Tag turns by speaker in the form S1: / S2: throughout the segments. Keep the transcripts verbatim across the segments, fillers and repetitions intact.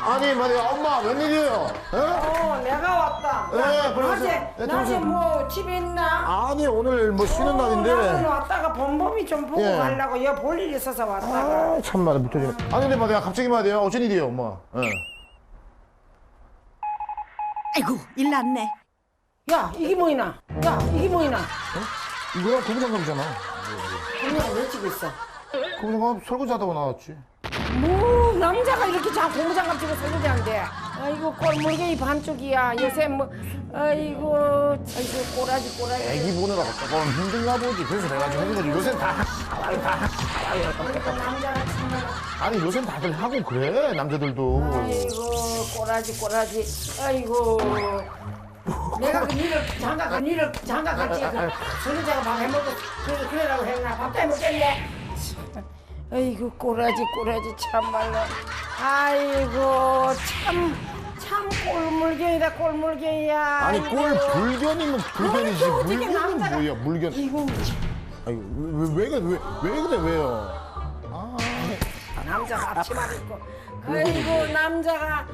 S1: 아니 말이야 엄마 웬일이에요? 에?
S2: 어, 내가 왔다.
S1: 예,
S2: 야,
S1: 그러세요.
S2: 낮에,
S1: 예,
S2: 낮에
S1: 들어오세요.
S2: 뭐 집에 있나?
S1: 아니 오늘 뭐 쉬는
S2: 나는
S1: 날인데.
S2: 왔다가 범범이 좀 보고
S1: 예.
S2: 가려고 여기 볼 일이 있어서 왔다가.
S1: 아 참말로 묻혀지네. 아니 근데 말이야 갑자기 말이야 어쩐 일이에요 엄마? 예.
S3: 아이고 일 났네.
S2: 야, 이게 뭐이나? 야, 이게 뭐이나?
S1: 이거랑 고무장갑이잖아.
S2: 그냥 왜 찍고 있어?
S1: 고무장갑 설거지하다가 나왔지.
S2: 뭐 남자가 이렇게 자 고무장갑 치고 설거지한대. 아이고 꼴물개이 반쪽이야. 요새 뭐 아이고 아이고 꼬라지 꼬라지.
S1: 애기 보느라고 조금 힘든가 보지. 그래서 내가 좀 해준 거지. 요새는 다 아유 다
S2: 그러니까 남자가 정말
S1: 아니 요새는 다들 하고 그래 남자들도.
S2: 아이고 꼬라지 꼬라지. 아이고 내가 그 니를 장가 그 니를 장가 같이 그 설거지하고 밥 해먹고 그래 그래라고 했나 밥도 해먹겠네. 아이고 꼬라지 꼬라지 참말로. 아이고 참. 참 꼴물견이다 꼴물견이야.
S1: 아니 꼴 불견이면 불견이지
S2: 아이고, 어떻게
S1: 물견은
S2: 남자가-
S1: 뭐야 물견.
S2: 이거
S1: 아니 왜왜 왜, 왜, 왜 그래 왜요? 아
S2: 남자가 앞치마를 입고 아이고 남자가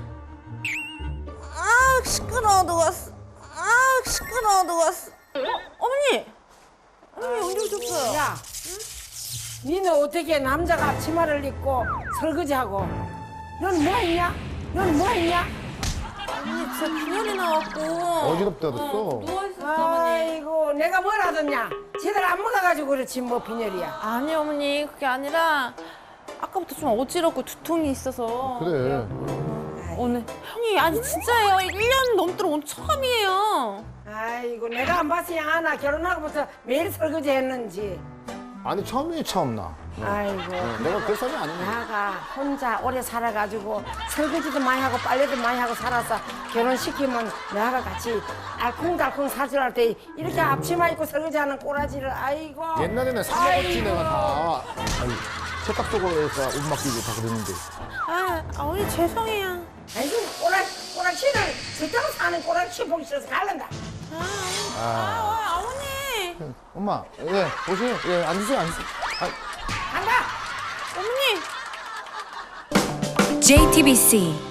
S3: 아 시끄러워 누웠어. 아 시끄러워 누웠어. 어, 어머니. 어머니 언제 오셨어요?
S2: 야 니는 어떻게 남자가 앞치마를 입고 설거지하고 넌 뭐 했냐? 넌 뭐 했냐?
S3: 어머니 진짜 빈혈이 나왔고.
S1: 어지럽다 됐어.
S3: 누워있었어 어머니.
S2: 아이고 내가 뭘 하더냐 제대로 안 먹어가지고 그렇지 뭐 빈혈이야.
S3: 아니 어머니 그게 아니라 아까부터 좀 어지럽고 두통이 있어서.
S1: 그래.
S3: 오늘 형이 아니 진짜예요. 일 년 넘도록 오늘 처음이에요.
S2: 아이고 내가 안 봤으니 아나 결혼하고부터 매일 설거지 했는지.
S1: 아니 처음이 처음 나.
S2: 아이고
S1: 내가 그 사람이 아니네.
S2: 나가 혼자 오래 살아가지고 설거지도 많이 하고 빨래도 많이 하고 살아서 결혼시키면 나가 같이 알콩달콩 사주할 때 이렇게 앞치마 입고 설거지하는 꼬라지를 아이고.
S1: 옛날에는 사 먹었지
S2: 아이고.
S1: 내가 다. 아니 세탁 속에서 옷 맡기고 다 그랬는데.
S3: 아 어머니 죄송해요.
S2: 아이고 꼬라 꼬라치를 절대로 사는 꼬라치 보기 싫어서 갈란다.
S3: 아, 아 어머니.
S1: 엄마 예 오세요. 예 앉으세요 앉으세요. 아,
S2: 간다.
S3: 어머니.
S4: 제이티비씨